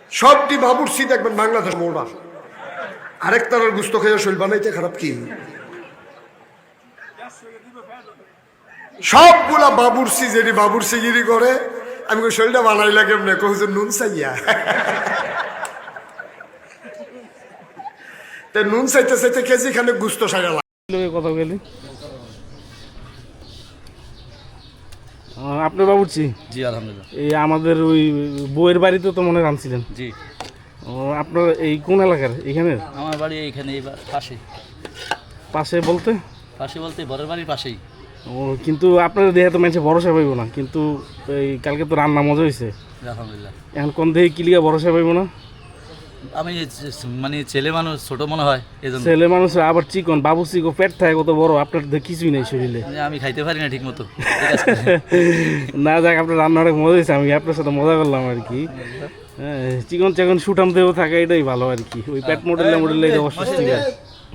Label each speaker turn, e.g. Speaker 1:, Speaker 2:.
Speaker 1: সবটি বাবুর্চি দেখবেন বাংলাদেশ মোড়া। আরেক তারার গুস্ত খেয়ে শৈল বানাইতে খারাপ কি? সবগুলা বাবুর্চি যেটি বাবুর্চিগিরি করে, আমি শৈলটা বানাইলা কেমনে, কহুজন নুন চাইয়া। নুন চাইতে চাইতে কেজি খানে গুস্ত সাইরা
Speaker 2: কথা গেলি আপনার বাবুর্চি?
Speaker 3: জি আলহামদুলিল্লাহ।
Speaker 2: এই আমাদের ওই বউয়ের বাড়িতে তো মনে রাঁধছিলেন?
Speaker 3: জি।
Speaker 2: ও আপনার এই কোন এলাকার? এখানে
Speaker 3: আমার বাড়ি এইখানে, এই পাশে।
Speaker 2: পাশে বলতে?
Speaker 3: পাশে বলতে বরের বাড়ির পাশেই।
Speaker 2: ও কিন্তু আপনার দেহে তো মানুষে ভরসা পাইব না, কিন্তু এই কালকে তো রান্না মজা হয়েছে
Speaker 3: আলহামদুলিল্লাহ।
Speaker 2: এখন কোন দেহে কিলিয়া ভরসা পাইব না?
Speaker 3: আমি মানে ছেলে মানুষ, ছোট মনে হয় এজন্য।
Speaker 2: ছেলে মানুষ আবার চিকন, বাবুর্চি গো পেট থাকে কত বড়, আপনার তো কিছুই নেই শরীরে।
Speaker 3: আমি খাইতে পারি না ঠিক মতো।
Speaker 2: না যাক, আপনার রান্না অনেক মজা হয়েছে, আমি আপনার সাথে মজা করলাম আর কি। হ্যাঁ, চিকন চিকন সুঠাম দেহ থাকে, এটাই ভালো আর কি। ওই পেট মডেলে এটা অস্বস্তি।